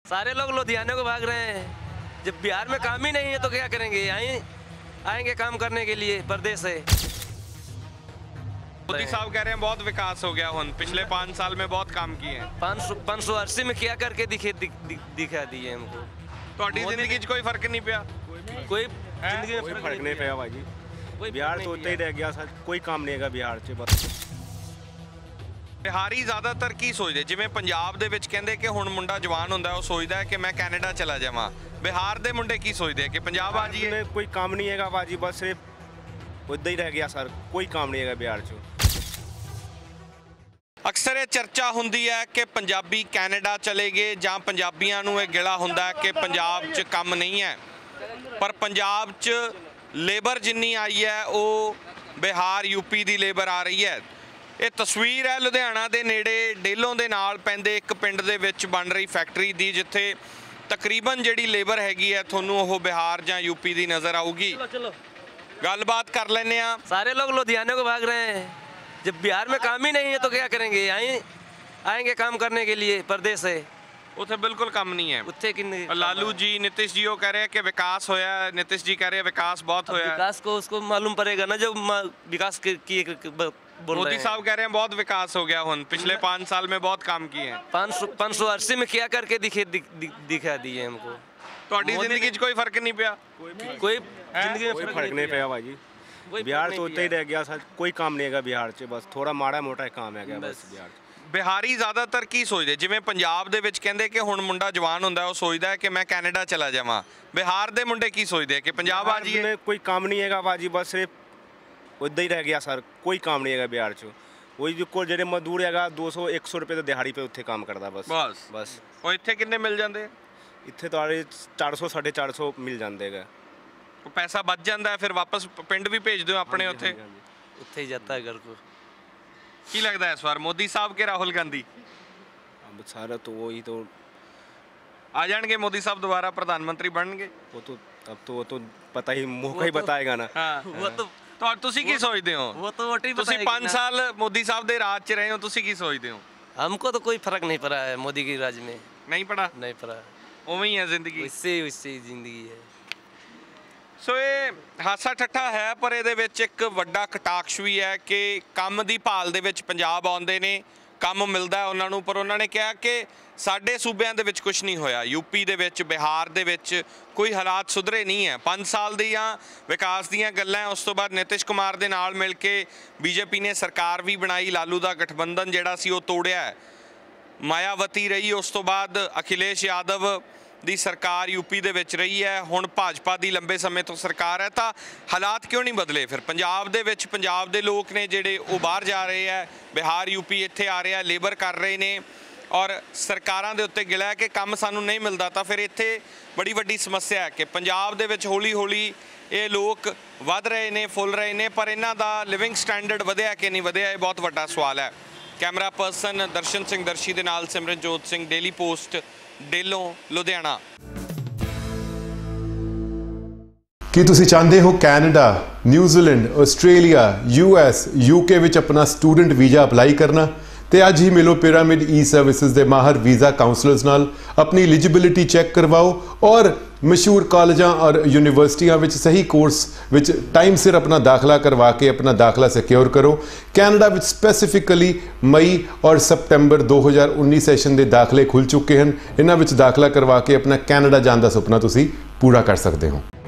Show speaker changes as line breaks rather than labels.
सारे लोग लुधियाने को भाग रहे हैं। जब बिहार में काम ही नहीं है तो क्या करेंगे? आएंगे काम करने के लिए परदेश से।
मोदी साहब कह रहे हैं बहुत विकास हो गया हुन, पिछले 5 साल में बहुत काम किए हैं।
580 में क्या करके दिखा दिए हमको।
ਤੁਹਾਡੀ ਜ਼ਿੰਦਗੀ 'ਚ ਕੋਈ ਫਰਕ ਨਹੀਂ ਪਿਆ?
कोई जिंदगी में
फर्क नहीं पाया भाजी।
कोई
बिहार
फर्क
तो
नहीं
उतना ही रह गया सर, कोई काम नहीं है बिहार से बस।
ਬਿਹਾਰੀ ਜ਼ਿਆਦਾਤਰ ਕੀ ਸੋਚਦੇ? ਜਿਵੇਂ ਪੰਜਾਬ ਦੇ ਵਿੱਚ ਕਹਿੰਦੇ ਕਿ ਹੁਣ ਮੁੰਡਾ ਜਵਾਨ ਹੁੰਦਾ ਉਹ ਸੋਚਦਾ ਹੈ ਕਿ ਮੈਂ ਕੈਨੇਡਾ ਚਲਾ ਜਾਵਾਂ। ਬਿਹਾਰ ਦੇ ਮੁੰਡੇ ਕੀ ਸੋਚਦੇ ਕਿ ਪੰਜਾਬ ਆ ਜਾਈਏ?
में कोई काम नहीं है भाजी, बस सिर्फ उतना ही रह गया सर, कोई काम नहीं है बिहार से।
ਅਕਸਰ ਇਹ ਚਰਚਾ ਹੁੰਦੀ ਹੈ ਕਿ ਪੰਜਾਬੀ ਕੈਨੇਡਾ ਚਲੇ ਗਏ ਜਾਂ ਪੰਜਾਬੀਆਂ ਨੂੰ ਇਹ ਗਿਲਾ ਹੁੰਦਾ ਹੈ ਕਿ ਪੰਜਾਬ 'ਚ ਕੰਮ ਨਹੀਂ ਹੈ, ਪਰ ਪੰਜਾਬ 'ਚ ਲੇਬਰ ਜਿੰਨੀ ਆਈ ਹੈ ਉਹ ਬਿਹਾਰ ਯੂਪੀ ਦੀ ਲੇਬਰ ਆ ਰਹੀ ਹੈ। ਇਹ ਤਸਵੀਰ ਹੈ ਲੁਧਿਆਣਾ ਦੇ ਨੇੜੇ ਡੇਲੋਂ ਦੇ ਨਾਲ ਪੈਂਦੇ ਇੱਕ ਪਿੰਡ ਦੇ ਵਿੱਚ ਬਣ ਰਹੀ ਫੈਕਟਰੀ ਦੀ, ਜਿੱਥੇ ਤਕਰੀਬਨ ਜਿਹੜੀ ਲੇਬਰ ਹੈਗੀ ਹੈ ਤੁਹਾਨੂੰ ਉਹ ਬਿਹਾਰ ਜਾਂ यूपी ਦੀ ਨਜ਼ਰ ਆਊਗੀ। ਗੱਲਬਾਤ ਕਰ ਲੈਂਦੇ ਆ।
सारे लोग लुधियाने को भाग रहे हैं। जब बिहार में काम ही नहीं है तो क्या करेंगे? आएंगे काम करने के लिए परदेश से।
ਉੱਥੇ ਬਿਲਕੁਲ ਕੰਮ ਨਹੀਂ ਹੈ।
उत्थे किन्ने
ਲਾਲੂ ਜੀ नीतीश जी वो कह रहे हैं कि विकास होया है, नीतीश जी कह रहे हैं विकास बहुत होया है।
विकास को उसको मालूम पड़ेगा ना, जो विकास बोल
मोदी
रहे हैं।
साहब कह रहे हैं बहुत विकास हो गया हुन, पिछले 5 साल में बहुत काम किए हैं।
580 में क्या करके दिखा दिए हमको।
ਤੁਹਾਡੀ ਜ਼ਿੰਦਗੀ 'ਚ ਕੋਈ ਫਰਕ ਨਹੀਂ ਪਿਆ?
कोई जिंदगी में
कोई फर्क नहीं पाया भाजी।
कोई
बिहार
फर्क
तो
नहीं
उतना ही रह गया सर, कोई काम नहीं है बिहार से, बस थोड़ा माड़ा मोटा काम है बस बिहार से।
ਬਿਹਾਰੀ ਜ਼ਿਆਦਾਤਰ ਕੀ ਸੋਚਦੇ? ਜਿਵੇਂ ਪੰਜਾਬ ਦੇ ਵਿੱਚ ਕਹਿੰਦੇ ਕਿ ਹੁਣ ਮੁੰਡਾ ਜਵਾਨ ਹੁੰਦਾ ਉਹ ਸੋਚਦਾ ਹੈ ਕਿ ਮੈਂ ਕੈਨੇਡਾ ਚਲਾ ਜਾਵਾਂ। ਬਿਹਾਰ ਦੇ ਮੁੰਡੇ ਕੀ ਸੋਚਦੇ ਕਿ ਪੰਜਾਬ ਆ ਜਾਈਏ?
में कोई काम नहीं है भाजी, बस सिर्फ उतना ही रह गया सर, कोई काम नहीं है बिहार से। वही जो को ਜਿਹੜੇ ਮਜ਼ਦੂਰ ਹੈਗਾ 200-100 ਰੁਪਏ ਤੋਂ ਦਿਹਾੜੀ 'ਤੇ ਉੱਥੇ ਕੰਮ ਕਰਦਾ ਬਸ। ਬਸ
ਉਹ ਇੱਥੇ ਕਿੰਨੇ ਮਿਲ ਜਾਂਦੇ?
ਇੱਥੇ ਤੁਹਾਡੇ 400-450 ਮਿਲ ਜਾਂਦੇ ਹੈਗਾ।
ਉਹ ਪੈਸਾ ਬਚ ਜਾਂਦਾ ਹੈ, ਫਿਰ ਵਾਪਸ ਪਿੰਡ ਵੀ ਭੇਜ ਦਿਓ ਆਪਣੇ ਉੱਥੇ।
उत्थे ही जाता है घर को।
ਕੀ ਲੱਗਦਾ ਹੈ ਇਸ ਵਾਰ ਮੋਦੀ ਸਾਹਿਬ ਕੇ ਰਾਹੁਲ ਗਾਂਧੀ
अब सारा तो वही तो
ਆ ਜਾਣਗੇ? ਮੋਦੀ ਸਾਹਿਬ ਦੁਬਾਰਾ ਪ੍ਰਧਾਨ ਮੰਤਰੀ ਬਣਨਗੇ?
वो तो पता ही मौका ही बताएगा ना।
ਹਾਂ ਤੁਸੀਂ ਕੀ ਸੋਚਦੇ ਹੋ?
वो तो वोट ही
ਤੁਸੀਂ
बताएगी
5
ना।
ਸਾਲ ਮੋਦੀ ਸਾਹਿਬ ਦੇ ਰਾਜ 'ਚ ਰਹੇ ਹੋ, ਤੁਸੀਂ ਕੀ ਸੋਚਦੇ ਹੋ?
हमको तो कोई फर्क नहीं पड़ा है मोदी की राज में।
ਨਹੀਂ ਪੜਾ?
नहीं पड़ा।
ਉਵੇਂ ਹੀ ਹੈ ਜ਼ਿੰਦਗੀ।
उससे ही जिंदगी है।
ਸੋ ਇਹ ਹਾਸਾ ਠੱਠਾ ਹੈ, ਪਰ ਇਹਦੇ ਵਿੱਚ ਇੱਕ ਵੱਡਾ ਕਟਾਕਸ਼ ਵੀ ਹੈ ਕਿ ਕੰਮ ਦੀ ਭਾਲ ਦੇ ਵਿੱਚ ਪੰਜਾਬ ਆਉਂਦੇ ਨੇ, ਕੰਮ ਮਿਲਦਾ ਉਹਨਾਂ ਨੂੰ, ਪਰ ਉਹਨਾਂ ਨੇ ਕਿਹਾ ਕਿ ਸਾਡੇ ਸੂਬਿਆਂ ਦੇ ਵਿੱਚ ਕੁਝ ਨਹੀਂ ਹੋਇਆ। ਯੂਪੀ ਦੇ ਵਿੱਚ, ਬਿਹਾਰ ਦੇ ਵਿੱਚ ਕੋਈ ਹਾਲਾਤ ਸੁਧਰੇ ਨਹੀਂ ਹੈ। 5 ਸਾਲ ਦੀਆਂ ਵਿਕਾਸ ਦੀਆਂ ਗੱਲਾਂ। ਉਸ ਤੋਂ ਬਾਅਦ ਨਿਤਿਸ਼ ਕੁਮਾਰ ਦੇ ਨਾਲ ਮਿਲ ਕੇ ਬੀਜੇਪੀ ਨੇ ਸਰਕਾਰ ਵੀ ਬਣਾਈ, ਲਾਲੂ ਦਾ ਗਠਬੰਧਨ ਜਿਹੜਾ ਸੀ ਉਹ ਤੋੜਿਆ, ਮਾਇਆਵਤੀ ਰਹੀ। ਉਸ ਤੋਂ ਬਾਅਦ ਅਖਿਲੇਸ਼ ਯਾਦਵ ਦੀ ਸਰਕਾਰ ਯੂਪੀ ਦੇ ਵਿੱਚ ਰਹੀ ਹੈ, ਹੁਣ ਭਾਜਪਾ ਦੀ ਲੰਬੇ ਸਮੇਂ ਤੋਂ ਸਰਕਾਰ ਹੈ। ਤਾਂ ਹਾਲਾਤ ਕਿਉਂ ਨਹੀਂ ਬਦਲੇ? ਫਿਰ ਪੰਜਾਬ ਦੇ ਵਿੱਚ ਪੰਜਾਬ ਦੇ ਲੋਕ ਨੇ ਜਿਹੜੇ ਉਹ ਬਾਹਰ ਜਾ ਰਹੇ ਹੈ, ਬਿਹਾਰ ਯੂਪੀ ਇੱਥੇ ਆ ਰਿਹਾ, ਲੇਬਰ ਕਰ ਰਹੇ ਨੇ, ਔਰ ਸਰਕਾਰਾਂ ਦੇ ਉੱਤੇ ਗਿਲਾ ਹੈ ਕਿ ਕੰਮ ਸਾਨੂੰ ਨਹੀਂ ਮਿਲਦਾ। ਤਾਂ ਫਿਰ ਇੱਥੇ ਬੜੀ ਵੱਡੀ ਸਮੱਸਿਆ ਹੈ ਕਿ ਪੰਜਾਬ ਦੇ ਵਿੱਚ ਹੌਲੀ ਹੌਲੀ ਇਹ ਲੋਕ ਵੱਧ ਰਹੇ ਨੇ, ਫੁੱਲ ਰਹੇ ਨੇ, ਪਰ ਇਹਨਾਂ ਦਾ ਲਿਵਿੰਗ ਸਟੈਂਡਰਡ ਵਧਿਆ ਕਿ ਨਹੀਂ ਵਧਿਆ, ਇਹ ਬਹੁਤ ਵੱਡਾ ਸਵਾਲ ਹੈ। ਕੈਮਰਾ ਪਰਸਨ ਦਰਸ਼ਨ ਸਿੰਘ ਦਰਸ਼ੀ ਦੇ ਨਾਲ ਸਿਮਰਨਜੋਤ ਸਿੰਘ, ਡੇਲੀ ਪੋਸਟ, ਡੇਲੋਂ, ਲੁਧਿਆਣਾ।
ਕੀ ਤੁਸੀਂ ਚਾਹੁੰਦੇ ਹੋ Canada, New Zealand, Australia, US, UK ਵਿੱਚ ਆਪਣਾ ਸਟੂਡੈਂਟ ਵੀਜ਼ਾ ਅਪਲਾਈ ਕਰਨਾ? ਤੇ ਅੱਜ ਹੀ ਮਿਲੋ ਪਿਰਾਮਿਡ ਈ ਸਰਵਿਸਿਜ਼ ਦੇ ਮਾਹਰ ਵੀਜ਼ਾ ਕਾਉਂਸਲਰਸ ਨਾਲ, ਆਪਣੀ ਐਲੀਜੀਬਿਲਿਟੀ ਚੈੱਕ ਕਰਵਾਓ ਔਰ ਮਸ਼ਹੂਰ ਕਾਲਜਾਂ ਔਰ ਯੂਨੀਵਰਸਿਟੀਆਂ ਵਿੱਚ ਸਹੀ ਕੋਰਸ ਵਿੱਚ ਟਾਈਮ ਸਿਰ ਆਪਣਾ ਦਾਖਲਾ ਕਰਵਾ ਕੇ ਆਪਣਾ ਦਾਖਲਾ ਸਿਕਿਉਰ ਕਰੋ। ਕੈਨੇਡਾ ਵਿੱਚ ਸਪੈਸੀਫਿਕਲੀ ਮਈ ਔਰ ਸਪਟੈਂਬਰ 2019 ਸੈਸ਼ਨ ਦੇ ਦਾਖਲੇ ਖੁੱਲ੍ਹ ਚੁੱਕੇ ਹਨ। ਇਹਨਾਂ ਵਿੱਚ ਦਾਖਲਾ ਕਰਵਾ ਕੇ ਆਪਣਾ ਕੈਨੇਡਾ ਜਾਣ ਦਾ ਸੁਪਨਾ ਤੁਸੀਂ ਪੂਰਾ ਕਰ ਸਕਦੇ ਹੋ।